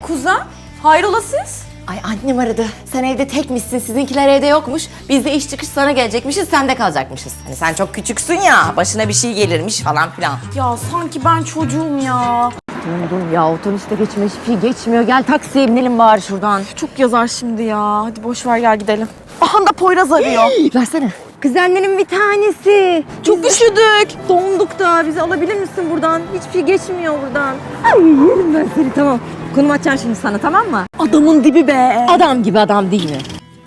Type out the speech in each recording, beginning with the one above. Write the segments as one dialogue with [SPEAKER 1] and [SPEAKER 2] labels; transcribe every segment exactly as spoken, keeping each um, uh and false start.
[SPEAKER 1] Kuzen, hayrola siz?
[SPEAKER 2] Ay annem aradı. Sen evde tekmişsin, sizinkiler evde yokmuş. Biz de iş çıkış sana gelecekmişiz, sen de kalacakmışız. Hani sen çok küçüksün ya, başına bir şey gelirmiş falan filan.
[SPEAKER 1] Ya sanki ben çocuğum ya.
[SPEAKER 2] Dur dur ya, otobüste geçmiyor, hiçbir şey geçmiyor. Gel taksiye binelim bari şuradan.
[SPEAKER 1] Çok yazar şimdi ya. Hadi boş ver gel gidelim. Aha da Poyraz arıyor.
[SPEAKER 2] Versene. Kuzenlerin bir tanesi.
[SPEAKER 1] Çok üşüdük.
[SPEAKER 2] Donduk da, bizi alabilir misin buradan? Hiçbir şey geçmiyor buradan. Ay yerim ben seni, tamam. Konum açacağım şimdi sana, tamam mı?
[SPEAKER 1] Adamın dibi be.
[SPEAKER 2] Adam gibi adam değil mi?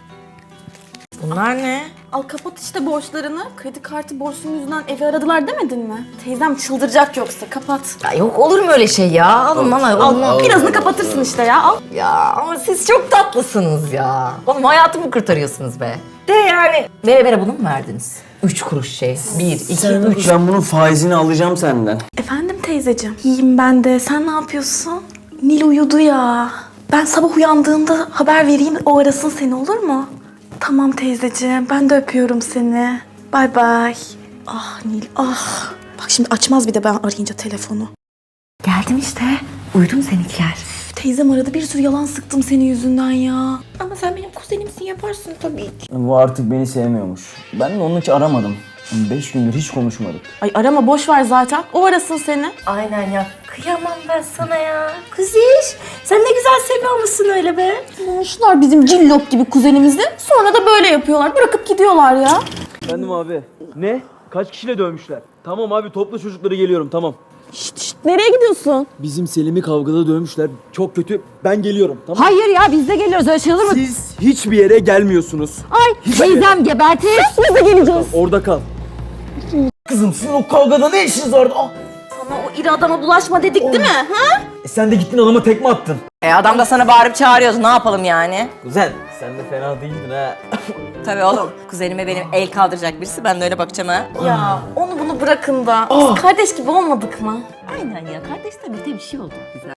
[SPEAKER 2] Bunlar ne?
[SPEAKER 1] Al kapat işte borçlarını. Kredi kartı borcunun yüzünden evi aradılar demedin mi? Teyzem çıldıracak yoksa kapat.
[SPEAKER 2] Ya yok olur mu öyle şey ya? Alın bana.
[SPEAKER 1] Al, al birazını kapatırsın işte ya al.
[SPEAKER 2] Ya ama siz çok tatlısınız ya. Oğlum hayatımı kurtarıyorsunuz be. De yani. Vere vere bunu mu verdiniz? Üç kuruş şey. Bir, iki, üç.
[SPEAKER 3] Ben bunun faizini alacağım senden.
[SPEAKER 1] Efendim teyzeciğim. İyiyim ben de. Sen ne yapıyorsun? Nil uyudu ya. Ben sabah uyandığımda haber vereyim o arasın seni olur mu? Tamam teyzeciğim. Ben de öpüyorum seni. Bay bay. Ah Nil ah. Bak şimdi açmaz bir de ben arayınca telefonu.
[SPEAKER 2] Geldim işte. Uyudum seninkiler.
[SPEAKER 1] Teyzem aradı bir sürü yalan sıktım senin yüzünden ya. Ama sen benim kuzenimsin yaparsın tabii ki.
[SPEAKER 3] Bu artık beni sevmiyormuş. Ben de onun için aramadım. Beş gündür hiç konuşmadık.
[SPEAKER 1] Ay arama boş ver zaten. O arasın seni.
[SPEAKER 2] Aynen ya. Kıyamam ben sana ya. Kuziş. Sen ne güzel seviyormuşsun öyle be.
[SPEAKER 1] Şunlar bizim cillop gibi kuzenimizdi. Sonra da böyle yapıyorlar. Bırakıp gidiyorlar ya.
[SPEAKER 4] Efendim abi. Ne? Kaç kişiyle dövmüşler? Tamam abi topla çocukları geliyorum tamam.
[SPEAKER 1] Şşt şşt nereye gidiyorsun?
[SPEAKER 4] Bizim Selim'i kavgada dövmüşler. Çok kötü. Ben geliyorum tamam.
[SPEAKER 2] Hayır ya, biz de geliyoruz, öyle şey olur mu?
[SPEAKER 4] Siz hiçbir yere gelmiyorsunuz.
[SPEAKER 2] Ay teyzem gebertir. Biz de geleceğiz.
[SPEAKER 4] Orada kal. Kızım sizin o kavgada ne işiniz vardı? Ah!
[SPEAKER 1] Ama o iri adama bulaşma dedik değil mi? Ha?
[SPEAKER 4] E sen de gittin adama tekme attın.
[SPEAKER 2] E adam da sana bağırıp çağırıyordu, ne yapalım yani?
[SPEAKER 4] Kuzen sen de fena değildin ha.
[SPEAKER 2] Tabii oğlum, kuzenime benim el kaldıracak birisi, ben de öyle bakacağım ha.
[SPEAKER 1] Ya onu bunu bırakın da. Biz kardeş gibi olmadık mı?
[SPEAKER 2] Aynen ya, kardeş tabii bir şey oldu bize.